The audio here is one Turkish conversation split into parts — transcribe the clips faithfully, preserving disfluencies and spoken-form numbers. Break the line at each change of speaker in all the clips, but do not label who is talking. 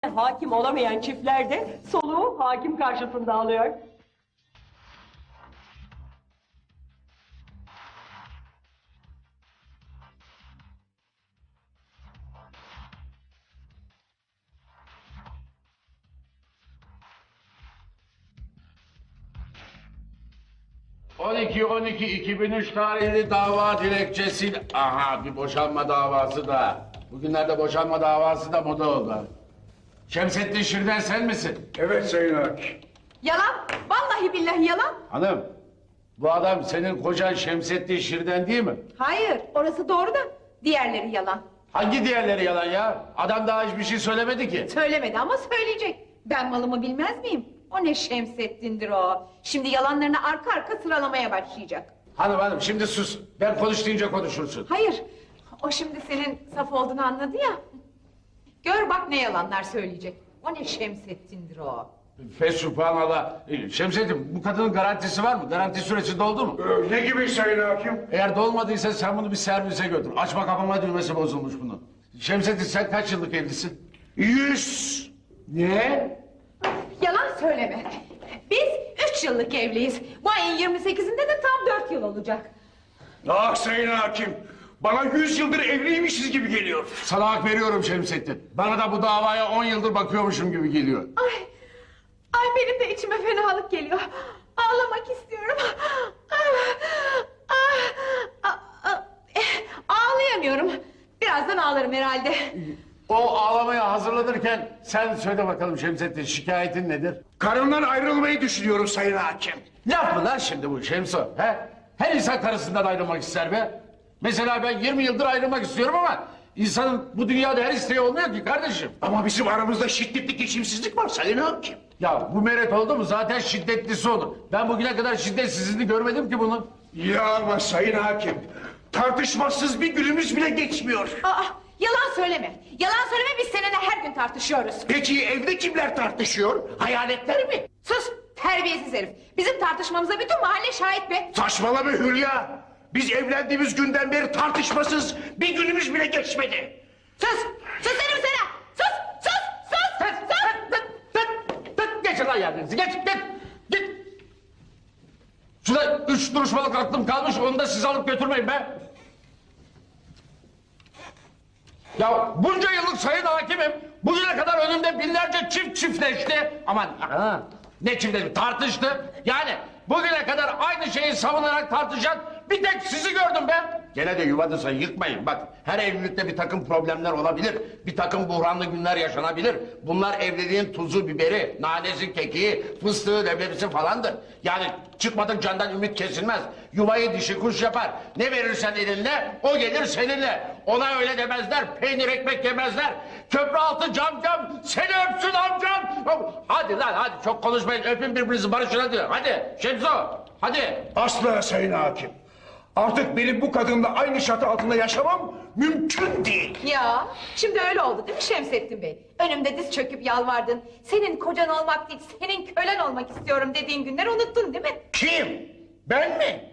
Hakim olamayan çiftler de soluğu hakim karşısında alıyor.
on iki on iki iki bin üç tarihli dava dilekçesi. Aha, bir boşanma davası da. Bugünlerde boşanma davası da moda oldu. Şemsettin Şirden sen misin?
Evet Sayın Hakim.
Yalan, vallahi billahi yalan.
Hanım, bu adam senin kocan Şemsettin Şirden değil mi?
Hayır, orası doğru da diğerleri yalan.
Hangi diğerleri yalan ya? Adam daha hiçbir şey söylemedi ki.
Söylemedi ama söyleyecek. Ben malımı bilmez miyim? O ne Şemsettin'dir o. Şimdi yalanlarını arka arka sıralamaya başlayacak.
Hanım hanım şimdi sus. Ben konuş deyince konuşursun.
Hayır, o şimdi senin saf olduğunu anladı ya. Gör bak ne yalanlar söyleyecek. O ne Şemsettin'dir o.
Fesubhanallah. Ee, Şemsettin, bu kadının garantisi var mı? Garanti süresi doldu mu?
Ee, ne gibi Sayın Hakim?
Eğer dolmadıysa sen bunu bir servise götür. Açma kapama düğmesi bozulmuş bunun. Şemsettin sen kaç yıllık evlisin?
Yüz.
Ne?
Yalan söyleme. Biz üç yıllık evliyiz. Bu ayın yirmi sekizinde de tam dört yıl olacak.
Ah Sayın Hakim. Bana yüz yıldır evliymişiz gibi geliyor.
Sana hak veriyorum Şemsettin. Bana da bu davaya on yıldır bakıyormuşum gibi geliyor.
Ay, ay benim de içime fenalık geliyor. Ağlamak istiyorum. Ah, ah, ah, ah, eh, Ağlayamıyorum. Birazdan ağlarım herhalde.
O ağlamaya hazırlanırken sen söyle bakalım Şemsettin, şikayetin nedir?
Karımdan ayrılmayı düşünüyorum Sayın Hakim.
Laf mı lan şimdi bu Şemso? He? Her insan karısından ayrılmak ister be. Mesela ben yirmi yıldır ayrılmak istiyorum ama insanın bu dünyada her isteği olmuyor ki kardeşim.
Ama bizim aramızda şiddetli geçimsizlik var Sayın Hakim.
Ya bu meret oldu mu zaten şiddetlisi olur. Ben bugüne kadar şiddetsizliğini görmedim ki bunun.
Ya ama Sayın Hakim. Tartışmasız bir günümüz bile geçmiyor.
Aa, yalan söyleme. Yalan söyleme, biz seninle her gün tartışıyoruz.
Peki evde kimler tartışıyor? Hayaletler mi?
Sus, terbiyesiz herif. Bizim tartışmamıza bütün mahalle şahit be.
Saçmalama Hülya. Biz evlendiğimiz günden beri tartışmasız bir günümüz bile geçmedi.
Sus, sus dedim sana. Sus, sus, sus,
Tut,
sus.
tut, tut, tut. Geçin lan yerlerinizi, geç, git, git. Şurada üç duruşmalık aklım kalmış, onu da siz alıp götürmeyin be. Ya bunca yıllık sayın hakimim, bugüne kadar önümde binlerce çift çiftleşti. Aman, aha, ne çiftleşti, tartıştı. Yani bugüne kadar aynı şeyi savunarak tartışan bir tek sizi gördüm ben. Gene de yuvanızı yıkmayın. Bak, her evlilikte bir takım problemler olabilir. Bir takım buhranlı günler yaşanabilir. Bunlar evliliğin tuzu, biberi, nanesi, kekiği, fıstığı, leblebisi falandır. Yani çıkmadık candan ümit kesilmez. Yuvayı dişi kuş yapar. Ne verirsen elinle, o gelir seninle. Ona öyle demezler, peynir ekmek yemezler. Köprü altı cam cam, seni öpsün amcam. Hadi lan hadi, çok konuşmayın, öpün birbirinizi, barışın hadi. Hadi Şemso, hadi.
Asla Sayın Hakim. Artık benim bu kadınla aynı çatı altında yaşamam mümkün değil.
Ya, şimdi öyle oldu değil mi Şemsettin Bey? Önümde diz çöküp yalvardın. Senin kocan olmak değil, senin kölen olmak istiyorum dediğin günleri unuttun değil mi?
Kim? Ben mi?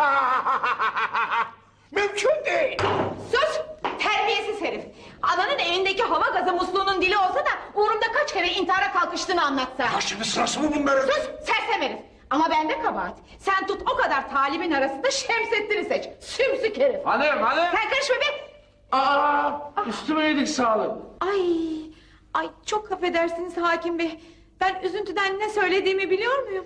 Mümkün değil.
Sus! Terbiyesiz herif! Ananın evindeki hava gazı musluğunun dili olsa da uğrumda kaç kere intihara kalkıştığını anlatsa.
Ya şimdi sırası mı bunların?
Sus! Sersem herif! Ama bende kabahat. Sen tut o kadar talibin arasında Şemsettin'i seç. Sümsük herif!
Hanım hanım.
Sen karışma be!
Aa, üstüme yedik sağlık.
Ay! Ay çok affedersiniz hakim bey. Ben üzüntüden ne söylediğimi biliyor muyum?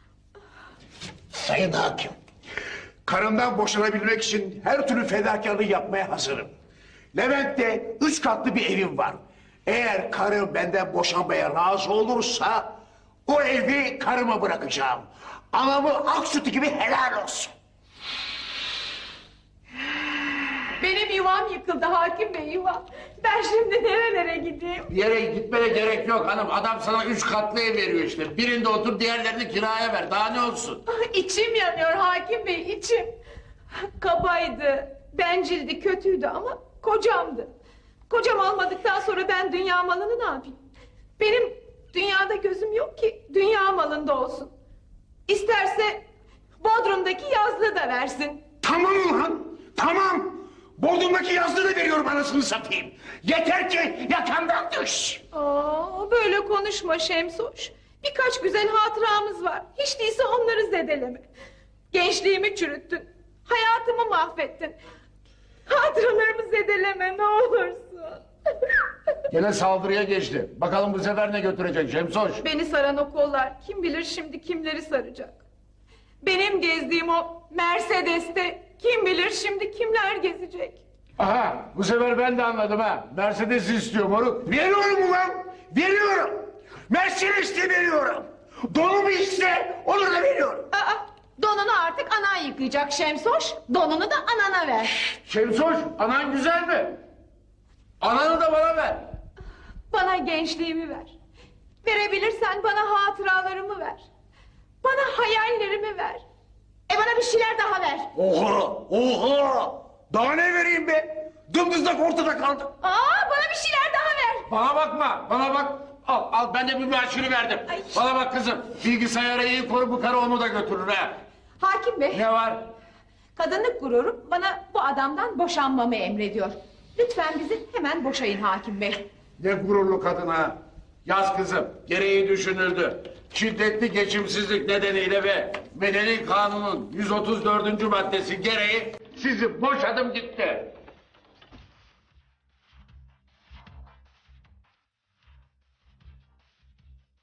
Sayın Hakim. Karımdan boşanabilmek için her türlü fedakarlığı yapmaya hazırım. Levent'te üç katlı bir evim var. Eğer karım benden boşanmaya razı olursa o evi karıma bırakacağım. Anamı ak sütü gibi helal olsun.
Benim yuvam yıkıldı hakim bey, yuvam. Ben şimdi nerelere gideyim?
Bir yere gitmene gerek yok hanım. Adam sana üç katlı ev veriyor işte. Birinde otur, diğerlerini kiraya ver. Daha ne olsun?
Ah, İçim yanıyor hakim bey, içim. Kabaydı, bencildi, kötüydü ama kocamdı. Kocam olmadıktan sonra ben dünya malını ne yapayım? Benim dünyada gözüm yok ki dünya malında olsun. İsterse Bodrum'daki yazlığı da versin.
Tamam ulan, tamam. Bordumdaki yazdığı da veriyorum anasını satayım. Yeter ki yakamdan düş.
Aa, böyle konuşma Şemsoş. Birkaç güzel hatıramız var. Hiç değilse onları zedeleme. Gençliğimi çürüttün. Hayatımı mahvettin. Hatıralarımı zedeleme ne olursun.
Gene saldırıya geçti. Bakalım bu sefer ne götürecek Şemsoş?
Beni saran o kollar kim bilir şimdi kimleri saracak. Benim gezdiğim o Mercedes'te kim bilir şimdi kimler gezecek.
Aha, bu sefer ben de anladım ha. Mercedes istiyor moruk.
Veriyorum ulan. Veriyorum. Mercedes de veriyorum. Donumu iste onu da veriyorum.
Aa, donunu artık anan yıkayacak Şemsoş. Donunu da anana ver.
Şemsoş, anan güzel mi? Ananı da bana ver.
Bana gençliğimi ver. Verebilirsen bana hatıralarımı ver. Bana hayallerimi ver. E bana bir şeyler daha ver.
Oha! Oha! Daha ne vereyim be? Dımdızlak ortada kaldım.
Aa, bana bir şeyler daha ver.
Bana bakma, bana bak. Al, al ben de bir maaşını verdim.
Ay.
Bana bak kızım, bilgisayarı iyi koru, bu karı onu da götürür ha.
Hakim Bey,
Ne var?
kadınlık gururum bana bu adamdan boşanmamı emrediyor. Lütfen bizi hemen boşayın Hakim Bey.
Ne gururlu kadın ha. Yaz kızım, gereği düşünüldü. Şiddetli geçimsizlik nedeniyle ve Medeni Kanun'un yüz otuz dördüncü maddesi gereği sizi boşadım gitti.